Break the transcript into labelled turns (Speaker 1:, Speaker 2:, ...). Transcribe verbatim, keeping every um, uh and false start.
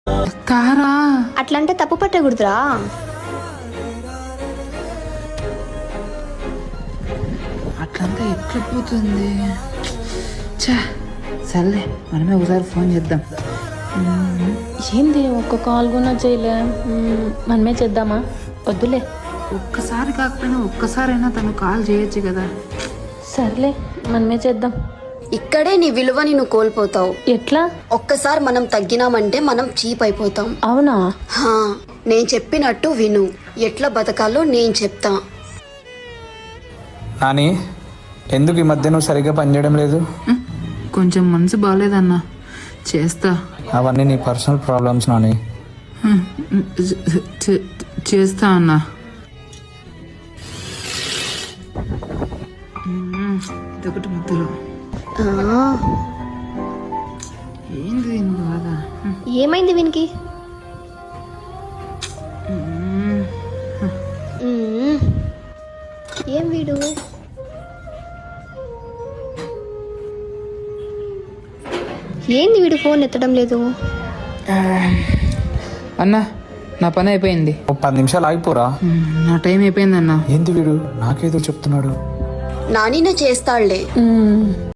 Speaker 1: తారా
Speaker 2: అట్లంటే తప్పు పట్టకూడదురా.
Speaker 1: అట్లంతా ఎట్లా పోతుంది? చా సర్లే మనమే ఒకసారి ఫోన్ చేద్దాం.
Speaker 3: ఏంది ఒక్క కాల్ కూడా చేయలే? మ్మ్, మనమే చేద్దామా? వద్దులే.
Speaker 1: ఒక్కసారి కాకపోయినా ఒక్కసారైనా తను కాల్ చేయొచ్చు కదా.
Speaker 3: సర్లే మనమే చేద్దాం.
Speaker 2: ఇక్కడే నీ విలువని నువ్వు కోల్పోతావు.
Speaker 3: ఎట్లా?
Speaker 2: ఒక్కసారి మనం తగ్గినామంటే మనం చీప్ అయిపోతాం.
Speaker 3: అవునా?
Speaker 2: హా, నేను చెప్పినట్టు విను. ఎట్లా బతకాలో నేను చెప్తా.
Speaker 4: నాని, ఎందుకు ఈ మధ్య నువ్వు సరిగ్గా పనిచేయడం లేదు?
Speaker 1: కొంచెం మనసు బాగాలేదన్నా, చేస్తా.
Speaker 4: అవన్నీ నీ పర్సనల్ ప్రాబ్లమ్స్ నాని.
Speaker 1: చే- చే- చేస్తా అన్నా. ఇదొకటి ముద్దులు.
Speaker 2: ఆ,
Speaker 1: ఏంది దీని బాధ?
Speaker 2: ఏమైంది వీనికి? మ్మ్. ఏం వీడు? ఏంది వీడు ఫోన్ ఎత్తడం లేదు?
Speaker 1: అన్నా నా పని అయిపోయింది.
Speaker 4: ఓ పది నిమిషాలు ఆగిపోరా.
Speaker 1: నా టైం అయిపోయింది అన్నా.
Speaker 4: ఏంది వీడు నాకేదో చెప్తున్నాడు?
Speaker 2: నానినే చేస్తాడులే.
Speaker 3: మ్మ్.